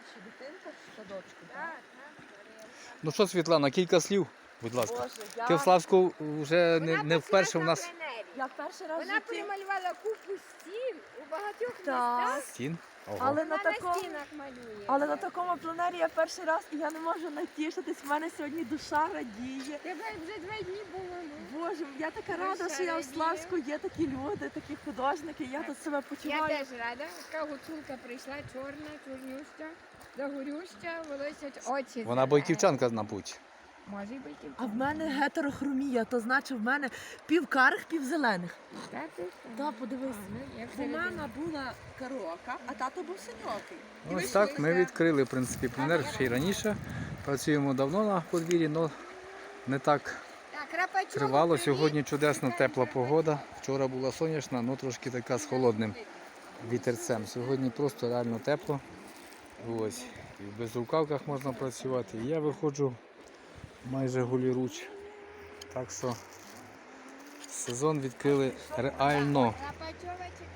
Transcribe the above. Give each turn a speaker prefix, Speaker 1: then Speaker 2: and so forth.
Speaker 1: старша дитинка в садочку, так?
Speaker 2: Так, так.
Speaker 3: Ну що, Світлана, кілька слів, будь ласка.
Speaker 1: Боже,
Speaker 3: Ти в Славську вже не вперше у нас
Speaker 1: я перший раз в
Speaker 2: Вона
Speaker 1: житті,
Speaker 2: перемалювала купу стін у багатьох
Speaker 1: Так.
Speaker 2: містах.
Speaker 3: стін. Ого.
Speaker 1: але
Speaker 2: Вона
Speaker 1: на
Speaker 2: на
Speaker 1: такому,
Speaker 2: стінах малює.
Speaker 1: але на такому пленері я перший раз, і я не можу натішитись. В мене сьогодні душа радіє.
Speaker 2: Тебе вже 2 дні було. Ну.
Speaker 1: Боже, я така рада,
Speaker 2: Душа
Speaker 1: що я в
Speaker 2: радіє.
Speaker 1: Славську є такі люди, такі художники. Я тут себе
Speaker 2: Я
Speaker 1: почуваю.
Speaker 2: теж рада. Така гуцулка прийшла, чорна, чорнюща, загорюща, волосять очі.
Speaker 3: Вона бойківчанка, мабуть.
Speaker 2: Може й бойківчанка.
Speaker 1: А в мене гетерохромія, то значить в мене пів карих, пів зелених.
Speaker 2: Так, ти що?
Speaker 1: Так, подивись.
Speaker 2: Як
Speaker 1: Бо мама була кароока, а тато був синьокий. І
Speaker 3: Ось
Speaker 1: вийшло
Speaker 3: так ми
Speaker 1: таке.
Speaker 3: відкрили, в принципі, пленер ще й раніше. Працюємо давно на подвір'ї, але не так тривало. Сьогодні чудесна тепла погода. Вчора була сонячна, але трошки така з холодним вітерцем. Сьогодні просто реально тепло. Ось. І в безрукавках можна працювати. І я виходжу майже голіруч. Так що сезон відкрили реально.
Speaker 2: Рапачова чекає.